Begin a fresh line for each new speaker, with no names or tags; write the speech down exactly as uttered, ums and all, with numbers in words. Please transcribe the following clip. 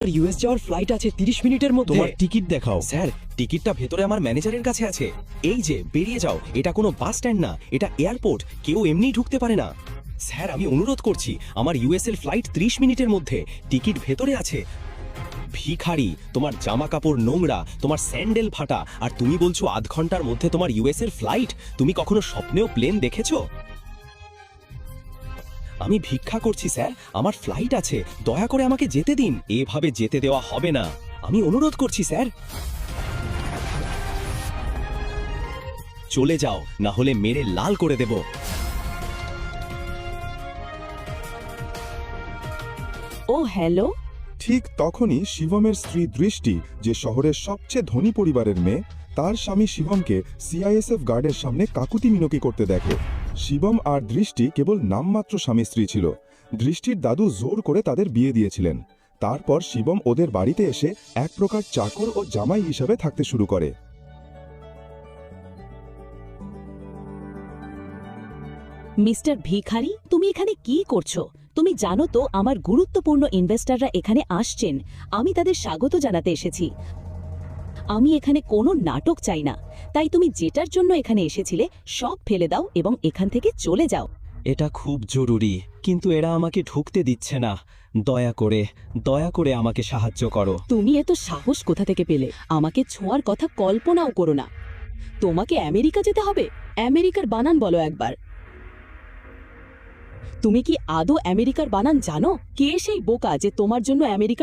US যাওয়ার flight আছে তিরিশ মিনিটের মধ্যে।
তোমার টিকিট দেখাও।
স্যার, টিকিটটা ভেতরে আমার ম্যানেজারের কাছে আছে। এই যে, বেরিয়ে যাও। এটা কোনো বাস স্ট্যান্ড না, এটা এয়ারপোর্ট। কেউ এমনিই ঢুকতে পারে না। স্যার, আমি অনুরোধ করছি, আমার ইউএস এর ফ্লাইট ত্রিশ মিনিটের মধ্যে। টিকিট ভেতরে আছে। ভিখারি, তোমার জামা কাপড় নোংরা, তোমার স্যান্ডেল ফাটা, আর তুমি বলছো আধ ঘন্টার মধ্যে তোমার ইউএস এর ফ্লাইট? তুমি কখনো স্বপ্নেও প্লেন দেখেছো? আমি ভিক্ষা করছি স্যার, আমার ফ্লাইট আছে, দয়া করে আমাকে যেতে দিন। এভাবে যেতে দেওয়া হবে না, আমি অনুরোধ করছি স্যার। চলে যাও, না হলে মেরে লাল করে দেব।
ও হ্যালো।
ঠিক তখনই শিবমের স্ত্রী দৃষ্টি, যে শহরের সবচেয়ে ধনী পরিবারের মেয়ে, তার স্বামী শিবমকে সিআইএসএফ গার্ডের সামনে কাকুতি মিনতি করতে দেখে। শিবম আর দৃষ্টি কেবল নামমাত্র স্বামী স্ত্রী ছিল। দৃষ্টির দাদু জোর করে তাদের বিয়ে দিয়েছিলেন। তারপর শিবম ওদের বাড়িতে এসে এক প্রকার চাকর ও জামাই হিসাবে থাকতে শুরু করে।
মিস্টার ভিখারি, তুমি এখানে কি করছো? তুমি জানো তো আমার গুরুত্বপূর্ণ ইনভেস্টররা এখানে আসছেন। আমি তাদের স্বাগত জানাতে এসেছি। আমি এখানে কোনো নাটক চাই না। তাই তুমি যেটার জন্য এখানে এসেছিলে সব ফেলে দাও এবং এখান থেকে চলে যাও।
এটা খুব জরুরি, কিন্তু এরা আমাকে ঢুকতে দিচ্ছে না। দয়া করে, দয়া করে আমাকে সাহায্য করো।
তুমি এত সাহস কোথা থেকে পেলে? আমাকে ছোঁয়ার কথা কল্পনাও করো না। তোমাকে আমেরিকা যেতে হবে? আমেরিকার বানান বলো একবার। তুমি কি আদৌ আমেরিকার বানান জানো? কে সেই বোকা যে তোমার জন্য আমেরিকা